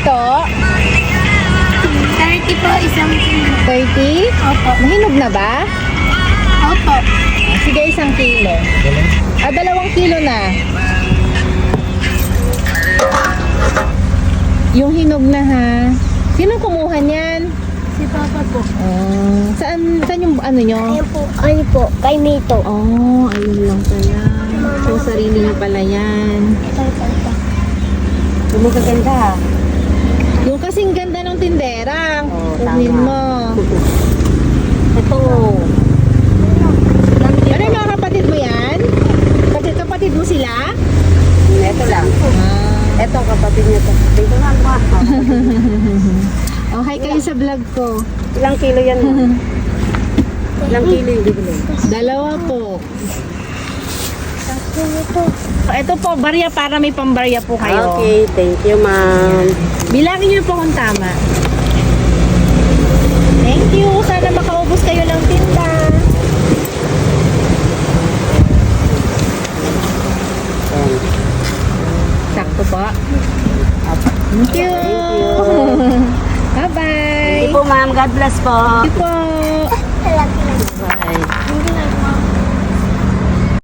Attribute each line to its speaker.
Speaker 1: ito?
Speaker 2: 30 po, isang kilo.
Speaker 1: 30?
Speaker 2: Opo.
Speaker 1: Mahinog na ba?
Speaker 2: Opo.
Speaker 1: Sige, 1 kilo. 2 kilo na. Yung hinog na ha. Sino kumuha niyan?
Speaker 2: Si Papa po.
Speaker 1: Saan yung ano nyo?
Speaker 2: Ayun po, ano po, kay Mito.
Speaker 1: Oh, ayun lang pala. So, sarili nyo pala yan.
Speaker 2: Ito.
Speaker 3: Gumaganda.
Speaker 1: Yung kasing ganda ng tindera.
Speaker 3: Oo,
Speaker 1: Kunin
Speaker 3: tama.
Speaker 1: mo.
Speaker 3: Ito.
Speaker 1: Ano yung mga kapatid mo yan? Kapatid mo sila?
Speaker 3: Ito lang.
Speaker 1: Ah.
Speaker 3: Ito kapatid niya to. Dito nga ba?
Speaker 1: Oh, hi kayo sa vlog ko.
Speaker 3: Ilang kilo yan? Ilang kilo yung bibili?
Speaker 1: 2 po.
Speaker 2: Ito.
Speaker 1: Ito po, barya para may pambarya po kayo.
Speaker 3: Okay, thank you ma'am.
Speaker 1: Bilangin niyo po kung tama. Thank you. Sana makaubos kayo ng tinda.
Speaker 3: Ayan.
Speaker 1: Sakto po. Thank you.
Speaker 3: Thank
Speaker 1: Bye-bye.
Speaker 3: you po ma'am. God bless po.
Speaker 1: Thank you po.
Speaker 3: Bye.